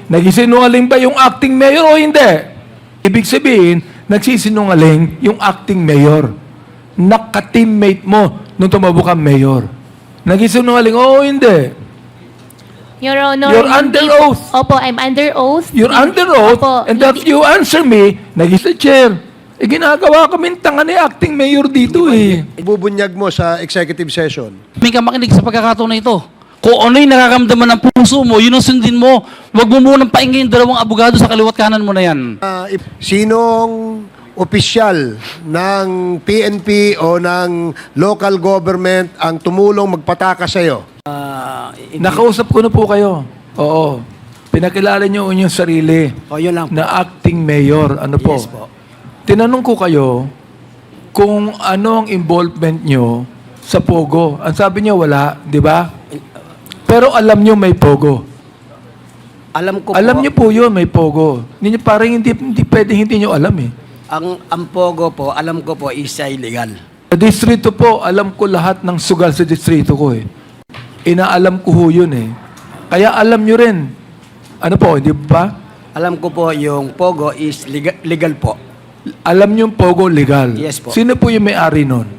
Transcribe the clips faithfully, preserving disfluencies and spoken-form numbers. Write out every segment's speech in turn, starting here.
Nagsisinungaling ba yung acting mayor o hindi? Ibig sabihin, nagsisinungaling yung acting mayor. Naka-teammate mo nung tumabo kang mayor. Nagsisinungaling, oo hindi. Your Honor, You're hindi under po- oath. Opo, I'm under oath. You're Hindi- under oath, Opo, and that hindi- you answer me, naging chair. Eh, ginagawa kami tanga ni acting mayor dito eh. Ibubunyag mo sa executive session. May ka makinig sa pagkakataon na ito. Kung ano yung nakakamdaman ng puso mo, yun ang sundin mo. Huwag mo munang paingin yung dalawang abogado sa kaliwat kanan mo na yan. Ah, if- sinong opisyal ng P N P o ng local government ang tumulong magpataka sa'yo? Nakausap ko na po kayo. Oo. Pinakilala niyo yung sarili O, yun lang po. na acting mayor. Ano po? Yes po. Tinanong ko kayo kung ano ang involvement nyo sa Pogo. Ang sabi niyo wala, di ba? Pero alam niyo may Pogo. Alam ko Alam po, niyo po yun, may Pogo. Hindi, parang hindi, hindi pwedeng hindi niyo alam eh. ang, ang Pogo po, alam ko po, is illegal. Sa distrito po, alam ko lahat ng sugal sa distrito ko eh. Inaalam ko ho yun eh. Kaya alam nyo rin. Ano po, hindi ba? Alam ko po, yung Pogo is legal, legal po. Alam nyo yung Pogo legal. Yes po. Sino po yung may-ari nun?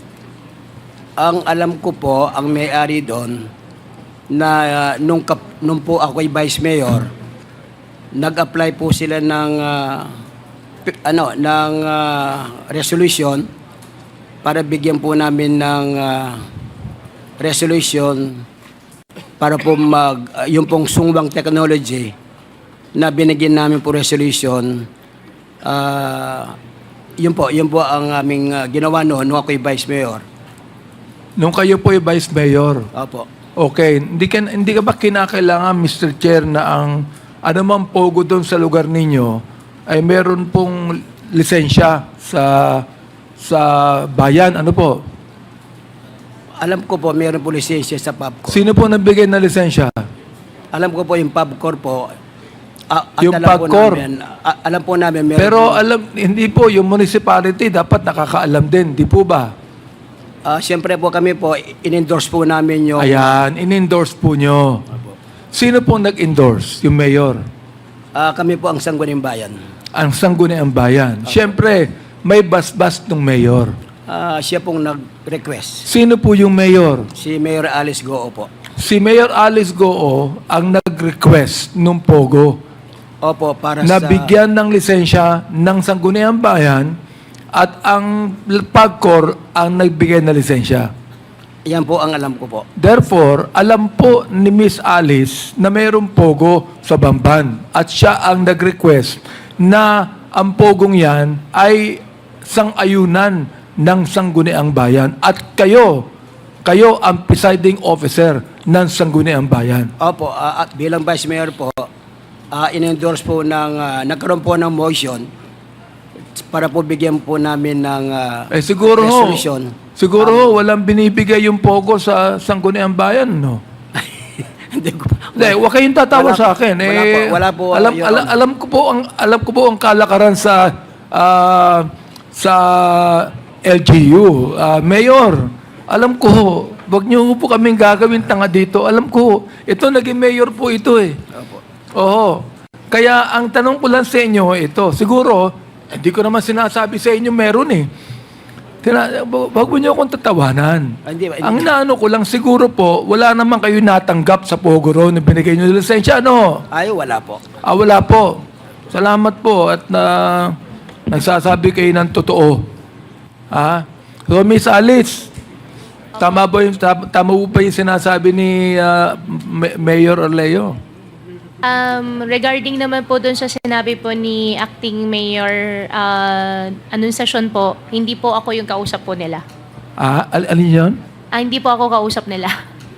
Ang alam ko po, ang may-ari doon, na uh, nung, kap, nung po ako'y vice mayor, nag-apply po sila ng, uh, pi- ano, ng uh, resolution para bigyan po namin ng uh, resolution para po mag, uh, yung pong sungwang technology na binigyan namin po resolution. Ah, yun po, yun po ang aming uh, ginawa noon nung ako'y vice mayor. Nung kayo po yung vice mayor. Opo. Okay, hindi ka, hindi ka ba kinakailangan, Mister Chair, na ang anumang Pogo doon sa lugar ninyo ay meron pong lisensya sa sa bayan? Ano po? Alam ko po, mayroon po lisensya sa PubCorp. Sino po nagbigay ng lisensya? Alam ko po yung PubCorp po. ah, at Yung alam po PubCorp? namin, ah, alam po namin meron Pero po- alam, hindi po, yung municipality dapat nakakaalam din, di po ba? ah, siyempre po kami po, in-endorse po namin yung... Ayan, in-endorse po nyo. Sino po nag-endorse? Yung mayor. ah, kami po ang Sangguniang Bayan. Ang sangguniang bayan. Siyempre, may basbas ng mayor. Ah, siya pong nag-request. Sino po yung mayor? Si Mayor Alice Goo po. Si Mayor Alice Goo ang nag-request ng Pogo Opo, para na sa... bigyan ng lisensya ng sangguniang bayan at ang PAGCOR ang nagbigay na lisensya. Yan po ang alam ko po. Therefore, alam po ni Miss Alice na mayroong Pogo sa Bamban at siya ang nag-request na ang Pogong yan ay sang-ayunan ng Sangguniang Bayan at kayo, kayo ang presiding officer ng Sangguniang Bayan. Opo, ah, at bilang Vice Mayor po, ah, in-endorse po ng, ah, nagkaroon po ng motion para po bigyan po namin ng ah, Eh siguro ho, resolution. siguro ho, walang binibigay yung Pogo sa Sangguniang Bayan, no? Hindi ko Hindi, huwag kayong tatawa Wala- sa akin. Eh, wala po- wala po, alam, Your alam, Honor. alam ko po ang alam ko po ang kalakaran sa ah, sa L G U. Ah, Mayor, alam ko, wag niyo po kaming gagawin tanga dito. Alam ko, ito naging mayor po ito eh. Oo. Kaya ang tanong ko lang sa inyo ito, siguro hindi ko naman sinasabi sa inyo meron eh. Tina, wag mo niyo akong tatawanan. Ah, hindi ba- Ang inaano ko lang, siguro po, wala naman kayo natanggap sa Pogo Road na binigay niyo ng lisensya, ano? Ay, wala po. Ah, wala po. Salamat po at na nagsasabi kayo ng totoo. Ha? So, Miss Alice, tama ba yung, tam- tama po ba yung sinasabi ni ah, Ma- Mayor Orleo? Um, regarding naman po dun sa sinabi po ni Acting Mayor uh, anunsasyon po, hindi po ako yung kausap po nila. Ah, al- alin yun? Ah, hindi po ako kausap nila.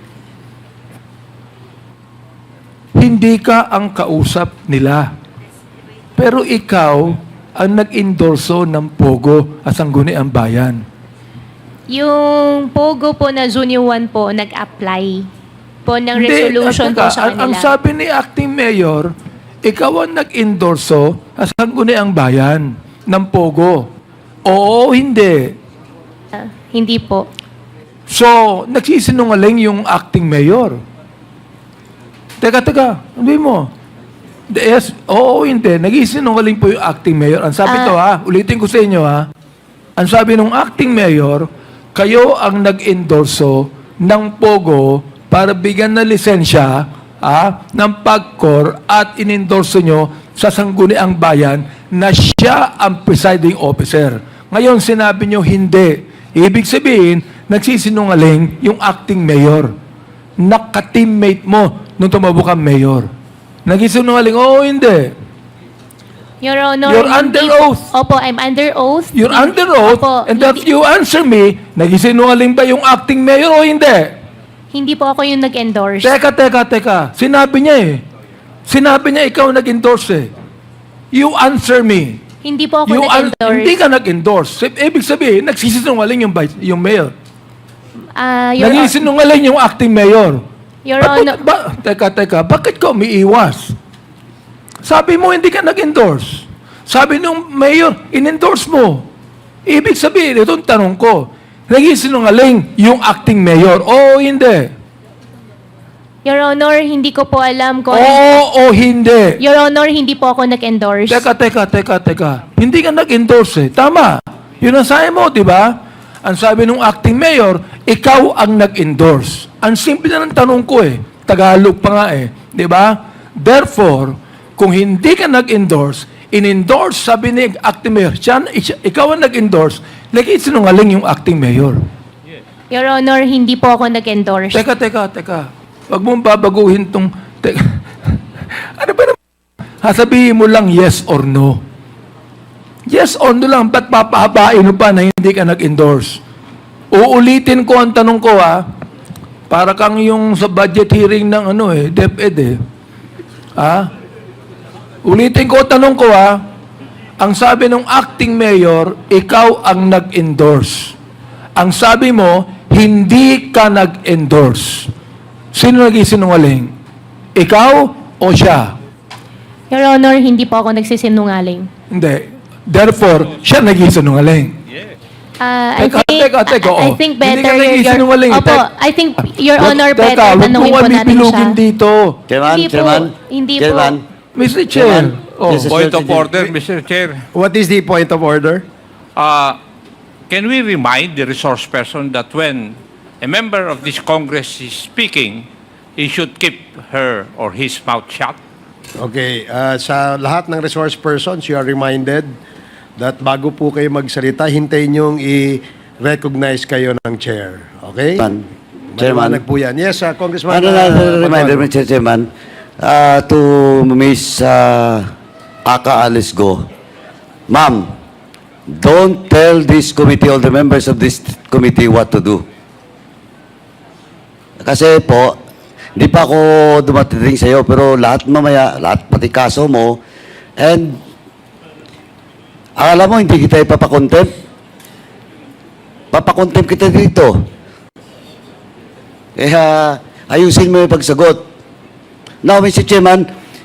Hindi ka ang kausap nila. Pero ikaw ang nag-endorso ng Pogo at Sangguniang Bayan. Yung Pogo po na Junior one po, nag-apply po ng Hindi, resolution teka, po sa ang, ang kanila. sabi ni Acting Mayor, ikaw ang nag-endorso sa Sangguniang Bayan ng Pogo. Oo, hindi. Ah, hindi po. So, nagsisinungaling yung Acting Mayor. Teka, teka, sabi mo. Yes, oo, hindi. Nag-isinungaling po yung acting mayor. Ang sabi Ah. to ha, ulitin ko sa inyo ha. Ang sabi ng acting mayor, kayo ang nag-endorso ng Pogo para bigyan na lisensya ha, ng PAGCOR at inendorso nyo sa Sangguniang Bayan na siya ang presiding officer. Ngayon, sinabi nyo hindi. Ibig sabihin, nagsisinungaling yung acting mayor. Naka-teammate mo nung tumabo kang mayor. Nagsisinungaling, oo, hindi. Your Honor, You're hindi under po- oath. Opo, I'm under oath. You're Hindi- under oath, Opo, and that hindi, you answer me, nagsisinungaling ba yung acting mayor o hindi? hindi po ako yung nag-endorse. Teka, teka, teka. Sinabi niya eh. Sinabi niya ikaw nag-endorse eh. You answer me. Hindi po ako You an- nag-endorse. hindi ka nag-endorse. Ibig sabihin, nagsisinungaling yung, vice- yung mayor. Ah, Your, Nagsisinungaling yung acting mayor. Your Ba't- Honor, ba, teka, teka, bakit ka umiiwas? Sabi mo, hindi ka nag-endorse. Sabi nung mayor, in-endorse mo. Ibig sabihin, itong tanong ko, nagsisinungaling yung acting mayor. Oo, hindi. Your Honor, hindi ko po alam kung... Oo o hindi. Your Honor, hindi po ako nag-endorse. Teka, teka, teka, teka. Hindi ka nag-endorse eh. Tama. Yun ang sabi mo, di ba? Ang sabi nung acting mayor, ikaw ang nag-endorse. Ang simple na ng tanong ko eh. Tagalog pa nga eh. Di ba? Therefore, kung hindi ka nag-endorse, in-endorse, sabi ni acting mayor, siya, ikaw ang nag-endorse, lagi sinungaling yung acting mayor. Your Honor, hindi po ako nag-endorse. Teka, teka, teka. Huwag mong babaguhin tong... Teka. Ano ba naman? Sasabihin mo lang yes or no. Yes or no lang. Ba't papahabain mo pa na hindi ka nag-endorse? Uulitin ko ang tanong ko ha. Para kang yung sa budget hearing ng ano eh, DepEd eh. Ha? Ulitin ko ang tanong ko ha. Ang sabi ng acting mayor, ikaw ang nag-endorse. Ang sabi mo, hindi ka nag-endorse. Sino nag-isinungaling? Ikaw o siya? Your Honor, hindi po ako nagsisinungaling. Hindi. Therefore, siya nag-isinungaling. Ah, I Teka, think, teka, teka, I, I oo. think Hindi better... ka nagsisinungaling, Opo, tek- I think, Your Honor, Teka, better huwag tanungin mo po kami natin siya. bilugin dito. Chairman, Hindi po. Chairman, Hindi po. Chairman, mister Chair. Oh. This is- Point of order, Mister Chair. What is the point of order? Uh, can we remind the resource person that when a member of this Congress is speaking, he should keep her or his mouth shut? Okay, uh, sa lahat ng resource persons, you are reminded that bago po kayo magsalita, hintayin niyong i-recognize kayo ng chair. Okay? Chairman. Chairman. Maliwanag po yan. Yes, uh, Congressman. ano na uh, reminder, Matuano. Mister Chairman, uh, to Miss uh, Aka Alice Go. Ma'am, don't tell this committee, all the members of this committee what to do. Kasi po, hindi pa ako dumating sa iyo, pero lahat mamaya, lahat pati kaso mo, and akala mo hindi kita ipapakontempt? Papakontempt kita dito. Kaya ayusin mo yung pagsagot. Now, Mister Chairman,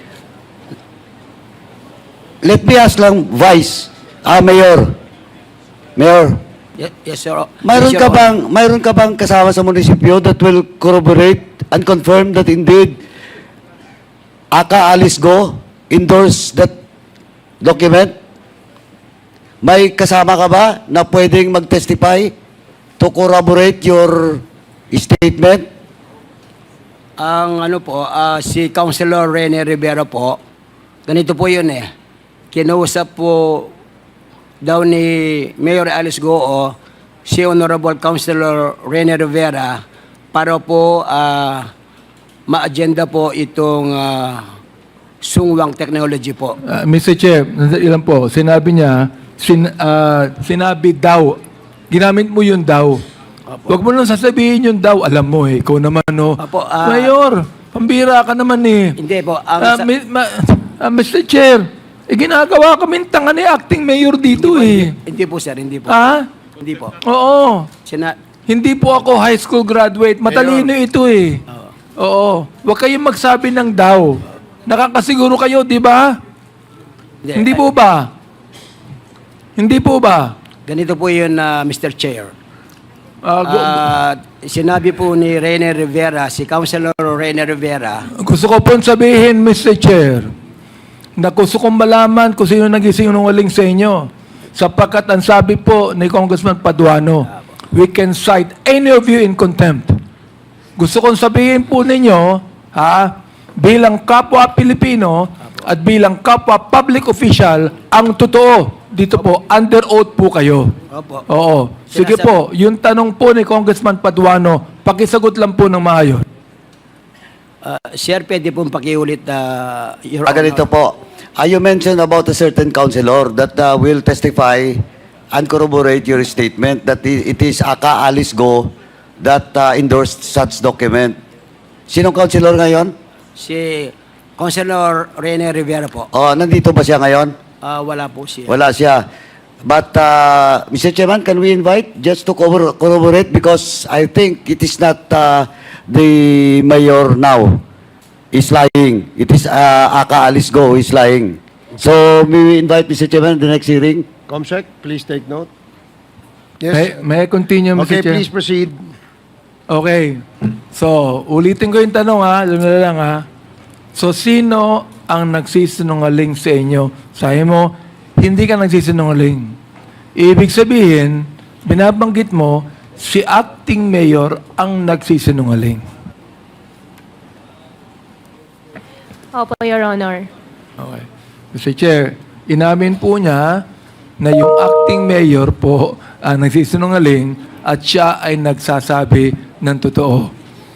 let me ask lang, Vice, ah, Mayor, Mayor, Yes, yes, sir. mayroon Yes, ka Your Honor. bang, mayroon ka bang kasama sa munisipyo that will corroborate and confirm that indeed Aka Alice Go endorse that document? May kasama ka ba na pwedeng mag-testify to corroborate your statement? Ang ano po, ah, si Councilor Rene Rivera po, ganito po yun eh. Kinausap po daw ni Mayor Alice Goo si Honorable Councilor Rene Rivera para po ah, ma-agenda po itong ah, sungwang technology po. Uh, mister Chair, ilan po, sinabi niya, sin, ah, sinabi daw, ginamit mo yung daw. Huwag mo nang sasabihin yung daw, alam mo eh, ikaw naman no. Apo, ah, Mayor, pambira ka naman eh. Hindi po. Ang Ah, sa- mi- ma- ah, mister Chair, eh, ginagawa kaming tanga ni acting mayor dito eh. hindi po sir, hindi po. Ha? Hindi po. Oo. Sina Hindi po ako high school graduate. Matalino ito eh. Oo. Huwag kayong magsabi ng daw. Nakakasiguro kayo, di ba? Hindi po ba? Hindi po ba? Ganito po yun, ah, Mister Chair. Ah, gu- Ah, sinabi po ni Rene Rivera, si Councilor Rene Rivera, gusto ko pong sabihin, mister Chair, na gusto kong malaman kung sino nag-isinungaling sa inyo. Sapagkat ang sabi po ni Congressman Paduano, we can cite any of you in contempt. Gusto kong sabihin po ninyo, ha, bilang kapwa Pilipino at bilang kapwa public official, ang totoo, dito po, under oath po kayo. Opo. Oo. Sige Sinasabi- po, yung tanong po ni Congressman Paduano, pakisagot lang po ng maayos. Ah, sir, pwede pong pakiulit, uh, Your Ah, ganito Honor. po. Ah, you mentioned about a certain councilor that uh, will testify and corroborate your statement that i- it is Aka Alice Go that uh, endorsed such document. Sinong councilor ngayon? Si Councilor Rene Rivera po. Oh, nandito ba siya ngayon? Ah, wala po siya. Wala siya. But, uh, Mister Chairman, can we invite just to corrobor- corroborate because I think it is not uh, the mayor now is lying. It is uh, Aka Alice Go who is lying. So, may we invite Mister Chairman the next hearing? Comsec, please take note. May, Yes. may I continue, Mister Okay, Chair? please proceed. Okay. So, ulitin ko yung tanong ha. Alam na lang ha. So, sino ang nagsisinungaling sa inyo? Sabi mo, hindi ka nagsisinungaling. Ibig sabihin, binabanggit mo, si acting mayor ang nagsisinungaling. Opo, Your Honor. Okay. Mister Chair, inamin po niya na yung acting mayor po ang nagsisinungaling at siya ay nagsasabi ng totoo.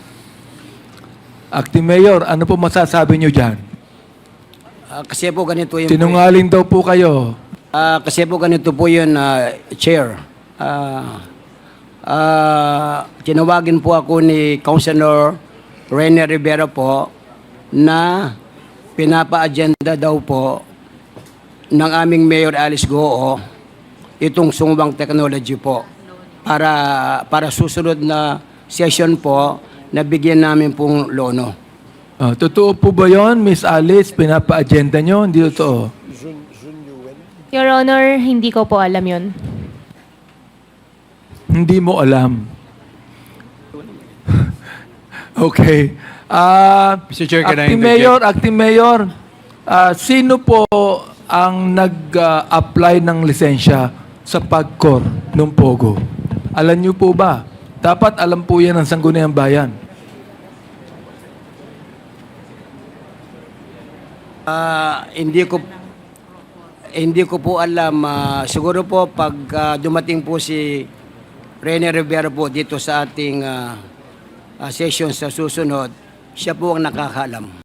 Acting mayor, ano po masasabi niyo dyan? Ah, kasi po ganito yung... Sinungaling daw po kayo. Ah, kasi po ganito po yun, ah, Chair. Ah, ah, tinawagin po ako ni Councilor Rene Rivera po na pinapa-agenda daw po ng aming Mayor Alice Goo itong sumubang technology po para para susunod na session po na bigyan namin pong lono. Ah, totoo po ba yon, Miss Alice? Pinapa-agenda nyo? Hindi totoo. Your Honor, hindi ko po alam yun. Hindi mo alam. Okay. Ah, Mister Chair, can I Acting interject? Mayor, Acting Mayor, ah, sino po ang nag-apply ng lisensya sa PAGCOR ng Pogo? Alam niyo po ba? Dapat alam po yan ng Sangguniang Bayan. Ah, hindi ko hindi ko po alam. Ah, siguro po pag ah, dumating po si Rene Rivera po dito sa ating ah, ah, session sa susunod, siya po ang nakakaalam.